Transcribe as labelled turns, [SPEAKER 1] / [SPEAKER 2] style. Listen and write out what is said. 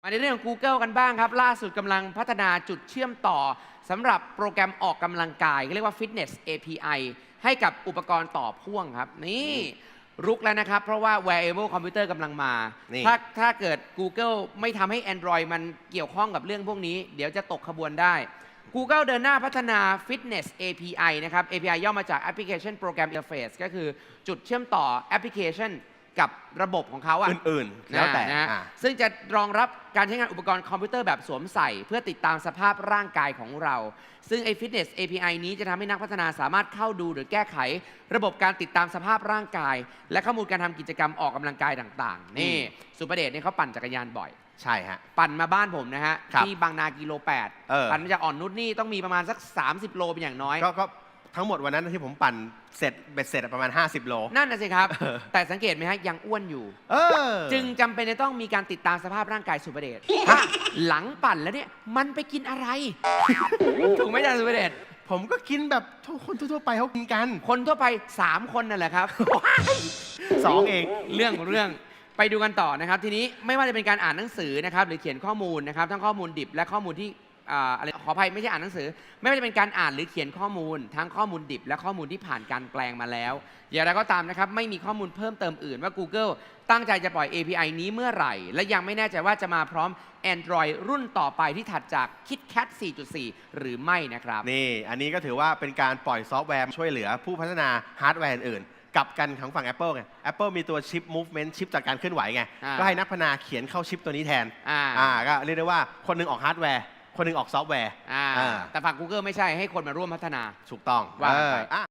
[SPEAKER 1] มาในเรื่องของ Google กันบ้างครับล่าสุดกำลังพัฒนาจุดเชื่อมต่อสำหรับโปรแกรมออกกำลังกายเรียกว่า Fitness API ให้กับอุปกรณ์ต่อพ่วงครับนี่รุกแล้วนะครับเพราะว่า wearable computer กำลังมาถ้าเกิด Google ไม่ทำให้ Android มันเกี่ยวข้องกับเรื่องพวกนี้เดี๋ยวจะตกขบวนได้ Google เดินหน้าพัฒนา Fitness API นะครับ API ย่อมาจาก Application Program Interface ก็คือจุดเชื่อมต่อแอปพลิเคชันกับระบบของเขา
[SPEAKER 2] อื่นๆแล้วแต่
[SPEAKER 1] นะซึ่งจะรองรับการใช้งานอุปกรณ์คอมพิวเตอร์แบบสวมใส่เพื่อติดตามสภาพร่างกายของเราซึ่งไอ้ Fitness API นี้จะทำให้นักพัฒนาสามารถเข้าดูหรือแก้ไขระบบการติดตามสภาพร่างกายและข้อมูลการทำกิจกรรมออกกำลังกายต่างๆนี่สุประเดชเนี่ยเขาปั่นจักรยานบ่อย
[SPEAKER 2] ใช่ฮะ
[SPEAKER 1] ปั่นมาบ้านผมนะฮะที่บางนากิโล8ปั่นมาจากอ่อนนุชนี่ต้องมีประมาณสัก30 โลเป็นอย่างน้อย
[SPEAKER 2] ก็ทั้งหมดวันนั้นที่ผมปั่นเสร็จประมาณ50 โล
[SPEAKER 1] นั่นนะสิครับแต่สังเกตไหมฮะยังอ้วนอยู่จึงจำเป็นจะต้องมีการติดตามสภาพร่างกายสุประเดชหลังปั่นแล้วเนี่ยมันไปกินอะไรถูกไหมจ๊ะสุประเดช
[SPEAKER 2] ผมก็กินแบบคนทั่วไปเขากินกัน
[SPEAKER 1] คนทั่วไป3 คนนั่นแหละครับ
[SPEAKER 2] 2 เอง
[SPEAKER 1] เรื่องไปดูกันต่อนะครับทีนี้ไม่ว่าจะเป็นการอ่านหนังสือนะครับหรือเขียนข้อมูลนะครับทั้งข้อมูลดิบและข้อมูลที่อะไรขออภัยไม่ใช่อ่านหนังสือไม่ว่าจะเป็นการอ่านหรือเขียนข้อมูลทั้งข้อมูลดิบและข้อมูลที่ผ่านการแปลงมาแล้วอย่างไรก็ตามนะครับไม่มีข้อมูลเพิ่มเติมอื่นว่า Google ตั้งใจจะปล่อย API นี้เมื่อไหร่และยังไม่แน่ใจว่าจะมาพร้อม Android รุ่นต่อไปที่ถัดจาก KitKat 4.4 หรือไม่นะครับ
[SPEAKER 2] นี่อันนี้ก็ถือว่าเป็นการปล่อยซอฟต์แวร์ช่วยเหลือผู้พัฒนาฮาร์ดแวร์อื่นกับกันของฝั่ง Apple ไง Apple มีตัวชิป Movement ชิปจากการเคลื่อนไหวไงก็ให้นักพัฒนาเขียนเข้าชิปตัวนี้แทนก็เรียกได้ว่าคนนึงออกฮาร์ดแวร์คนนึงออกซอฟต์แวร์
[SPEAKER 1] แต่ฝั่ง Google ไม่ใช่ให้คนมาร่วมพัฒนา
[SPEAKER 2] ถูกต้อง
[SPEAKER 1] ว่าไป